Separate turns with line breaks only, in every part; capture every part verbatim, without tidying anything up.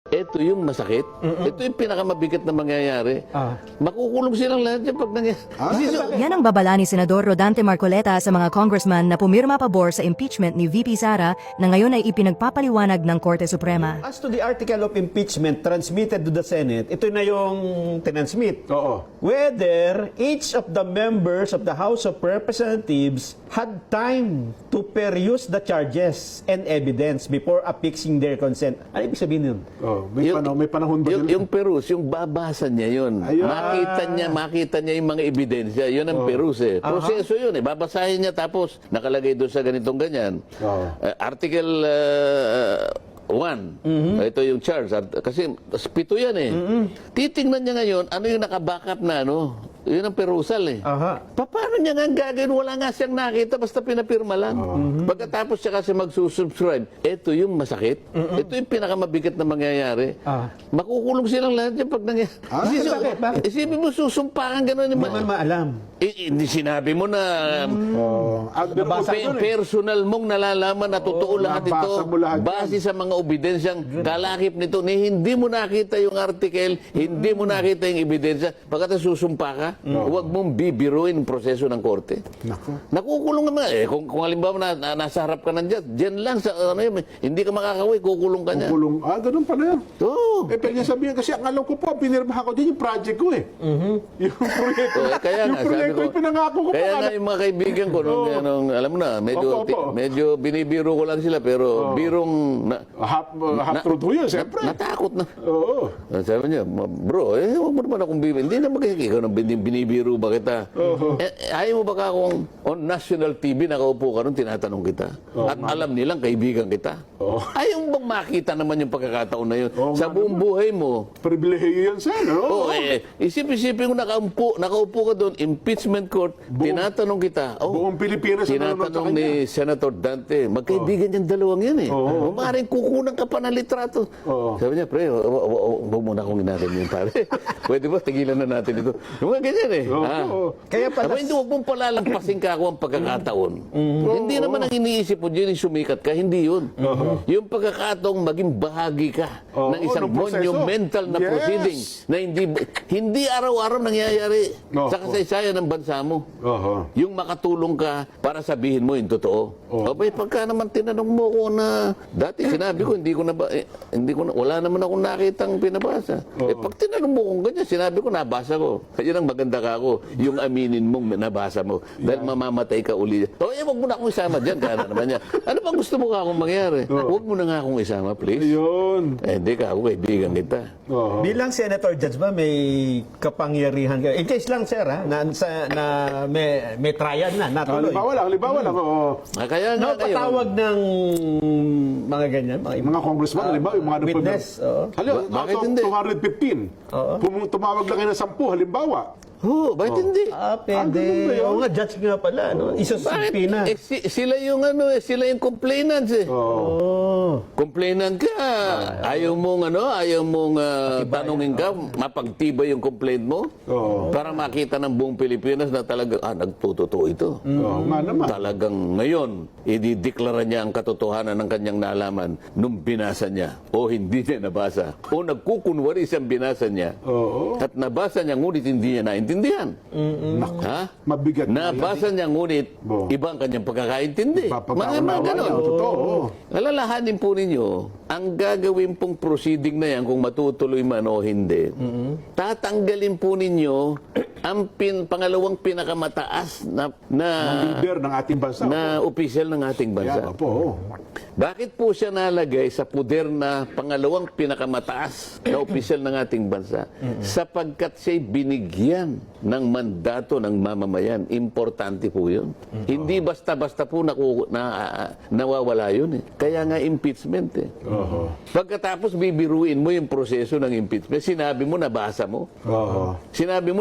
ito yung masakit. Mm-mm. Ito yung pinakamabigat na mangyayari. Ah. Makukulong silang lahat yan pag nangyayari. Ah, so,
yan ang babala ni Senador Rodante Marcoleta sa mga congressman na pumirma pabor sa impeachment ni V P Sara na ngayon ay ipinagpapaliwanag ng Korte Suprema.
As to the article of impeachment transmitted to the Senate, ito na yung tinansmit.
Oo.
Whether each of the members of the House of Representatives had time to peruse the charges and evidence before affixing their consent. Ano ibig sabihin yun?
Oh, may,
yung,
panahon, may panahon ba
yung,
yun?
yung perus, yung babasa niya yun. Ayun. Makita niya, makita niya yung mga ebidensya. Yun ang oh. perus eh. Proseso uh-huh. yun eh. Babasahin niya tapos nakalagay doon sa ganitong ganyan. Oh. Uh, article uh, one. Mm-hmm. Ito yung charge. Kasi pito yan eh. Mm-hmm. Titingnan niya ngayon, ano yung nakabackup na ano. Yun ang perusal eh. Aha. Paano niya nga gagawin? Wala nga siyang nakita, basta pinapirma lang. Uh -huh. Pagkatapos siya kasi magsusubscribe, ito yung masakit. Uh -huh. Ito yung pinakamabigat na mangyayari. Uh -huh. Makukulong silang lahat yan pag nangyayari. Ah, Isipin, bakit? Bakit? Isipin mo, susumpakan gano'n. Hindi
naman maalam.
Hindi sinabi mo na um, uh, pe personal mong nalalaman na totoo oh, lahat ito base sa mga ebidensyang kalakip nito. Ni hindi mo nakita yung article, hindi mo nakita yung ebidensya, pagkatapos susumpa ka, no. Huwag mong bibiruin ang proseso ng korte. Naku. Nakukulong naman. Eh, kung, kung halimbawa na, na, nasa harap ka nandiyan, dyan lang, sa, ano yun, hindi ka makakaway, kukulong ka niya.
Kukulong. Ah, ganun pala yan.
Oo.
Eh, pwede sabihin, kasi ang alam ko po, pinirmahan ko din yung project ko eh. Mm-hmm. Yung proyekto.
So, eh, kaya
yung
nga,
proyekto
ko,
yung pinangako ko.
Kaya nga yung mga kaibigan ko, nung, oh. nung, alam mo na, medyo, opo, opo. medyo binibiro ko lang sila, pero oh. birong... Na,
half uh, half truth mo yun, siyempre.
Na, natakot na.
Oo.
Sabi niya, bro, eh, huwag mo naman akong bibiro. Hindi naman kasi ikaw nang binibiro ba kita? Uh-huh. eh, ayaw mo ba ka kung on national T V nakaupo ka ron, tinatanong kita? Oh, At man. alam nilang kaibigan kita? Oh. Ayaw mo bang makita naman yung pagkakataon na yun? Oh, sa buong buhay mo.
Pribilehiyo yan sa'yo, no?
Oo, eh. Isip-isipin ko nakaupo, nakaupo ka doon, impeachment court, buong, tinatanong kita. Oh,
buong Pilipinas
tinatanong ni Senator Dante, magkaibigan oh. yung dalawang yan eh. Oh. O maaaring kukunan ka pa ng litrato. Oh. Sabi niya, pre, huwag muna akong ginagin yun, pare. Pwede ba, tigilan na natin ito. Yung mga ganyan eh. Oh. Ah. Oh.
Kaya pala...
Aba, hindi, huwag mong palalampasin ka ako ang pagkakataon. Mm-hmm. oh, hindi oh. naman ang iniisip mo dyan yung sumikat ka, hindi yun. Uh-huh. Yung pagkakataong maging bahagi ka oh. ng isang oh, monumental na yes. proceeding na hindi hindi araw-araw nangyayari oh. sa kasaysayan ng bansa mo. Uh-huh. Yung makatulong ka para sabihin mo yung totoo. Oh. Abay, pagka naman tinanong mo ko na dati sinabi ko, hindi ko na ba, eh, hindi ko na, wala naman akong nakitang pinabasa. Uh-huh. Eh, pag tinanong mo kung ganyan, sinabi ko, nabasa ko. Yan ang maganda ka ako. Yung aminin mong nabasa mo. Dahil yeah. mamamatay ka uli. O, eh, wag mo na akong isama dyan. Kaya naman niya. Ano bang gusto mo ka akong mangyari? Oh. Huwag mo na nga akong isama, please.
Ayun.
Eh, hindi ka ako, kaibigan kita.
Oh. Bilang Senator Judge ba, may kapangyarihan ka? In case lang, sir, ha, na, sa, na may, may trial na, natuloy.
Halimbawa lang, halimbawa lang. Oh.
Ah, kaya nga kayo.
Napatawag ng mga ganyan, mga,
mga congressman, uh, halimbawa, yung mga
witness. Oh.
Halimbawa,
bakit hindi?
two hundred fifteen. Oh. Tumawag lang kayo ng sampu, halimbawa.
Oo, oh, bakit oh. hindi?
Ah, pwede. Ah, oo nga, judge nga pala. No? Isusumpi na.
Eh, si, sila yung ano, eh, sila yung complainants eh. Oh. Complainant ka. Ah, ayaw mong ano, ayaw mong uh, tanungin ka, mapagtibay yung complaint mo. Oh. Para makita ng buong Pilipinas na talagang, ah, nagtutotoo ito.
Mm. Oh, naman.
Talagang ngayon, idideklara niya ang katotohanan ng kanyang nalaman nung binasa niya o hindi niya nabasa. O nagkukunwari siyang binasa niya. Oh. At nabasa niya, ngunit hindi niya naintindihan. Intindihan. Mm-mm. Ha?
Mabigat.
Nabasa niya ngunit Bo. ibang kanyang pagkakaintindi. Mga mga ganon. Alalahanin po ninyo, ang gagawin pong proceeding na yan, kung matutuloy man o hindi, mm-hmm. tatanggalin po ninyo ang pin, pangalawang pinakamataas na, na
leader ng ating bansa.
Na opisyal ng ating bansa.
Yeah, po.
Bakit po siya nalagay sa puder na pangalawang pinakamataas na opisyal ng ating bansa? Mm-hmm. Sapagkat siya'y binigyan ng mandato ng mamamayan. Importante po yun. Mm-hmm. Hindi basta-basta po naku, na, uh, nawawala yun eh. Kaya nga impeachment eh. Uh-huh. Pagkatapos bibiruin mo yung proseso ng impeachment, sinabi mo, nabasa mo. Uh-huh. Sinabi mo, nakita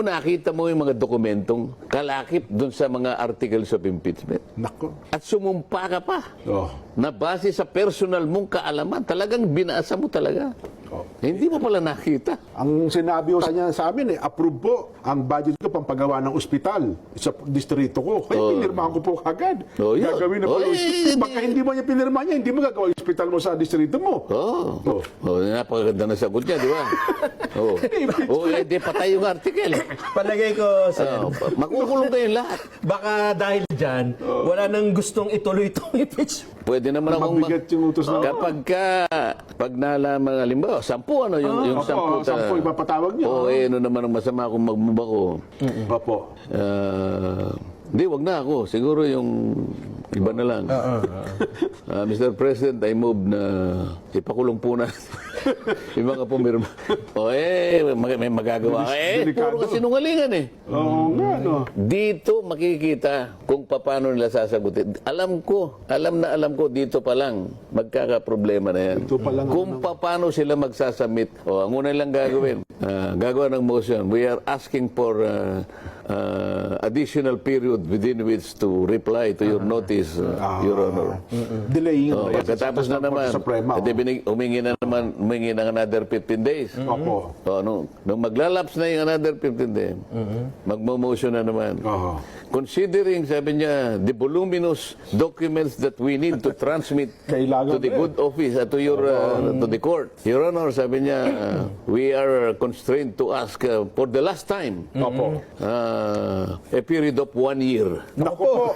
ipakita mo yung mga dokumentong kalakip dun sa mga articles of impeachment.
Nako.
At sumumpa ka pa
Oh.
na base sa personal mong kaalaman, talagang binasa mo talaga.
Oh.
Hindi mo pala nakita.
Ang sinabi ko sa niya sa amin, eh, approve po ang budget ko pampagawa ng ospital sa distrito ko. Kaya
Oh.
pinirmahan ko po kagad.
Oh, yun.
Gagawin na po
Oh,
yung
eh,
ospital.
hindi-
Baka hindi mo niya pinirma niya, hindi mo gagawa yung ospital mo sa distrito mo.
Oo.
Oh.
Oh. Oh, napakaganda na sagot niya, di ba? Oo. Oh. Oh, hindi patay yung article.
Palagay ko, sir,
Oh, makukulong kayong lahat.
baka dahil dyan, wala nang gustong ituloy itong impeachment.
Pwede naman akong ma-
Mabigat yung utos na.
kapag ka, pag nalaman, halimbawa, sampu, ano, yung, yung
Opo,
sampu. ta-
sampu ipapatawag niyo.
Oo, eh, ano naman ang masama kung magmumako.
Opo.
Ah, Hindi, wag na ako. Siguro yung iba na lang. Ah, Mister President, I move na ipakulong po na yung mga pumirma. O eh, mag- may magagawa ka. Eh,
Delikado.
puro kasinungalingan eh.
Oo nga, no.
Dito makikita kung paano nila sasagutin. Alam ko, alam na alam ko, dito pa lang magkakaproblema na yan.
Dito pa lang,
Kung paano sila magsasubmit. O, ang una lang gagawin, ah, gagawa ng motion. We are asking for ah, ah, additional period within which to reply to your notice, uh, Your Honor.
Delaying.
Oh, pagkatapos na naman,
Suprema.
edi binig, humingi na naman, humingi ng another fifteen days.
Opo.
Oh, nung, nung maglalaps na yung another fifteen days, magmo-motion na naman.
Oo.
Considering, sabi niya, the voluminous documents that we need to transmit
Kailangan
to the
eh.
good office, uh, to your, uh, to the court. Your Honor, sabi niya, uh, we are constrained to ask uh, for the last time
Opo.
uh, a period of one year
Naku po.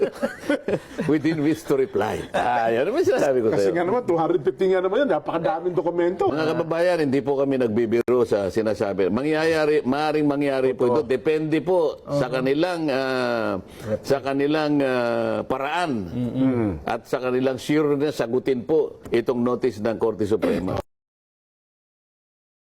within which to reply. Ah, yan naman sinasabi ko
Kasi
sa'yo.
nga naman, two hundred fifty nga naman yan. Napakadaming dokumento.
Mga kababayan, hindi po kami nagbibiro sa sinasabi. Mangyayari, maaring mangyari po ito. Depende po sa kanilang ah, sa kanilang ah, paraan at sa kanilang sureness sagutin po itong notice ng Korte Suprema.